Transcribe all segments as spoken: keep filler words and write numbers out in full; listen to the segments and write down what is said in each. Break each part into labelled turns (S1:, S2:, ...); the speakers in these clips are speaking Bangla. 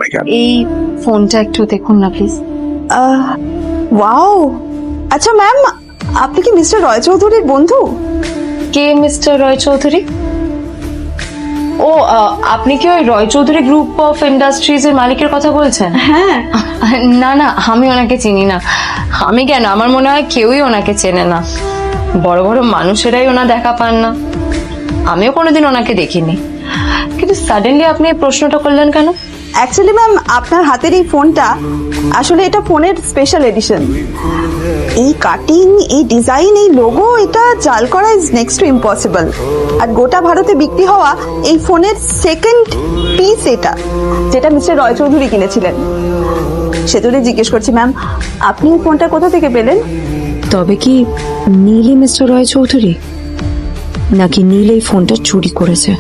S1: হয়ে গেল।
S2: এই ফোনটা একটু দেখুন না প্লিজ।
S3: ওয়াও, আচ্ছা ম্যাম, আপনি কি মিস্টার রয় চৌধুরীর বন্ধু?
S2: কে মিস্টার রয় চৌধুরী? ও আপনি কি ওই Roy Chowdhury group of industries এর মালিকের কথা বলছেন?
S3: হ্যাঁ।
S2: না না, আমি ওনাকে চিনি না। আমি কেন, আমার মনে হয় কেউই ওনাকে চেনে না। বড় বড় মানুষেরাই ওনা দেখা পান না। আমিও কোনোদিন ওনাকে দেখিনি, কিন্তু সাডেনলি আপনি এই প্রশ্নটা করলেন কেন?
S3: অ্যাকচুয়ালি ম্যাম, আপনার হাতের এই ফোনটা আসলে এটা ফোনের স্পেশাল এডিশন। এই কাটিং, এই ডিজাইন, এই লোগো, এটা জাল করা ইজ নেক্সট টু ইম্পসিবল। আর গোটা ভারতে বিক্রি হওয়া এই ফোনের সেকেন্ড পিস এটা, যেটা মিস্টার রয় চৌধুরী কিনেছিলেন। সেজন্যই জিজ্ঞেস করছি ম্যাম, আপনি এই ফোনটা কোথা থেকে পেলেন?
S4: তবে কি নীলই মিস্টার রয় চৌধুরী, নাকি নীল এই ফোনটা চুরি করেছে?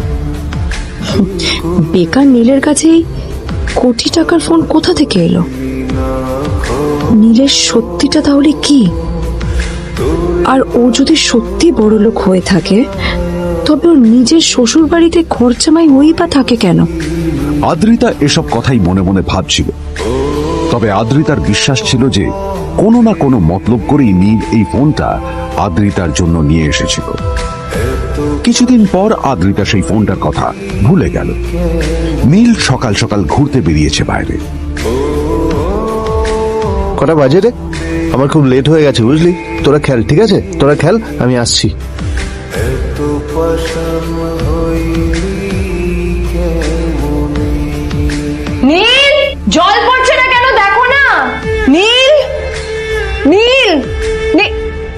S4: বেকার নীলের কাছেই কোটি টাকার ফোন কোথা থেকে এলো? নীলের সত্যিটা তাহলে কি? আর ও যদি সত্যি বড়লোক হয়ে থাকে, তবে ওর নিজের শ্বশুর বাড়িতে খরচামাই হই বা থাকে কেন?
S1: আদ্রিতা এসব কথাই মনে মনে ভাবছিল। তবে আদ্রিতার বিশ্বাস ছিল যে কোনো না কোনো মতলব করেই নীল এই ফোনটা আদ্রিতার জন্য নিয়ে এসেছিল। কিছুদিন পর আদ্রিতা সেই ফোনটার কথা ভুলে গেল। নীল সকাল সকাল ঘুরতে বেরিয়েছে বাইরে।
S5: কটা বাজে রে? আমার খুব লেট হয়ে গেছে বুঝলি। তোরা খেল, ঠিক আছে? তোরা খেল, আমি আসছি।
S2: নীল, জল পড়ছে না কেন দেখো না। নীল, নীল, নীল,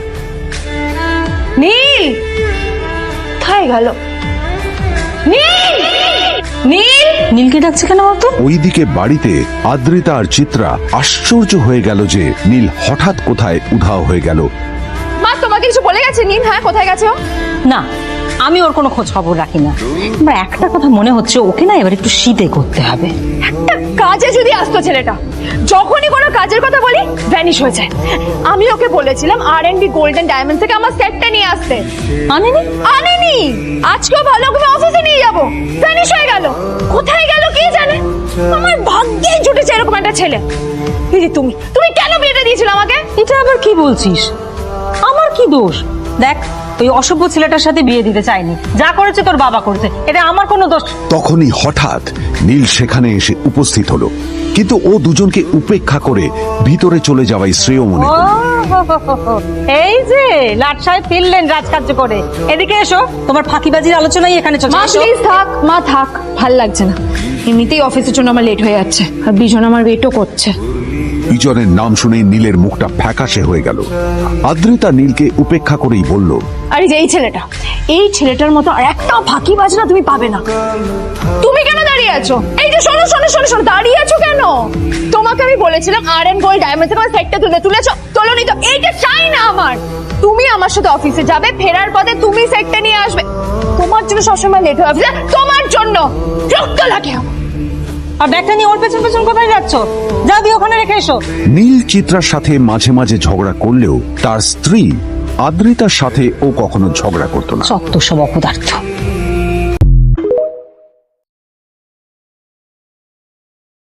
S2: নীল কোথায় গেল? নীল, নীল, নীলকে ডাকছে কেন বলতো?
S1: ওইদিকে বাড়িতে আদ্রিতা আর চিত্রা আশ্চর্য হয়ে গেল যে নীল হঠাৎ কোথায় উধাও হয়ে গেল।
S2: মা তোমাকে কিছু বলে গেছে নীল? হ্যাঁ, কোথায় গেছে ও?
S6: না, আমি ওর কোনো খোঁজ খবর রাখি না। এবার একটা কথা মনে হচ্ছে, ওকে না এবার একটু শীতে করতে হবে।
S2: একটা কাজে যদি আসতো ছেলেটা, যখনই কোনো কাজের কথা বলি ভ্যানিশ হয়ে যায়। আমি ওকে বলেছিলাম R and B golden diamond থেকে আমার সেটটা নিয়ে আসতে, আনেনি আনেনি আজকেও ভালো করে অফিসে নিয়ে যাব, ভ্যানিশ হয়ে গেল। কোথায় গেল কে জানে। আমার ভাগ্যেই জুটেছে এরকম একটা ছেলে। দিদি, তুমি তুমি কেন বিয়েটা দিয়েছিলে আমাকে?
S6: এটা আবার কি বলছিস? আমার কি দোষ? দেখ, ওই অসভ্য ছেলেটার সাথে বিয়ে দিতে চাইনি। যা করেছে তোর বাবা করেছে, এটা আমার কোনো দোষ।
S1: তখনই হঠাৎ নীল সেখানে এসে উপস্থিত হলো, কিন্তু ও দুজনকে উপেক্ষা করে ভিতরে চলে যাওয়াই শ্রেয় মনে করল।
S6: এই যে লাট সাহেব ফিরলেন রাজকার্য করে। এদিকে এসো, তোমার ফাঁকিবাজির আলোচনাই এখানে চলছে।
S2: মা প্লিজ থাক, মা থাক, ভাল লাগছে না। এমনিতেই অফিসের জন্য আমার লেট হয়ে যাচ্ছে, আর বিজন আমার ওয়েটও করছে।
S1: বিজনের নাম শুনে নীলের মুখটা ফ্যাকাশে হয়ে গেল। আদ্রিতা নীলকে উপেক্ষা করেই বলল,
S2: আরে যে এই ছেলেটা, এই ছেলেটার মতো আর একটা ফাঁকি বাজনা তুমি পাবে না। তুমি কেন দাঁড়িয়ে আছো? এই যে শোনো শোনো শোনো শোনো, দাঁড়িয়ে আছো কেন? তোমাকে আমি বলেছিলাম আর এন্ড গোল্ড ডায়মন্ড থেকে আমার সেটটা তুলে তুলেছো, তোলোনি তো। এইটা চাই না আমার। তুমি আমার সাথে অফিসে যাবে, ফেরার পথে তুমি সেটটা নিয়ে আসবে। তোমার জন্য সবসময় লেট হয়ে অফিসে, তোমার জন্য রক্ত লাগে।
S6: আর ব্যাগটা নিয়ে ওর পেছন পেছন কোথায় যাচ্ছ? যা দিয়ে ওখানে রেখে এসো।
S1: নীল চিত্রার সাথে মাঝে মাঝে ঝগড়া করলেও তার স্ত্রী আদ্রিতার সাথে ও কখনো ঝগড়া করতো না।
S6: সত্য সব অপদার্থ।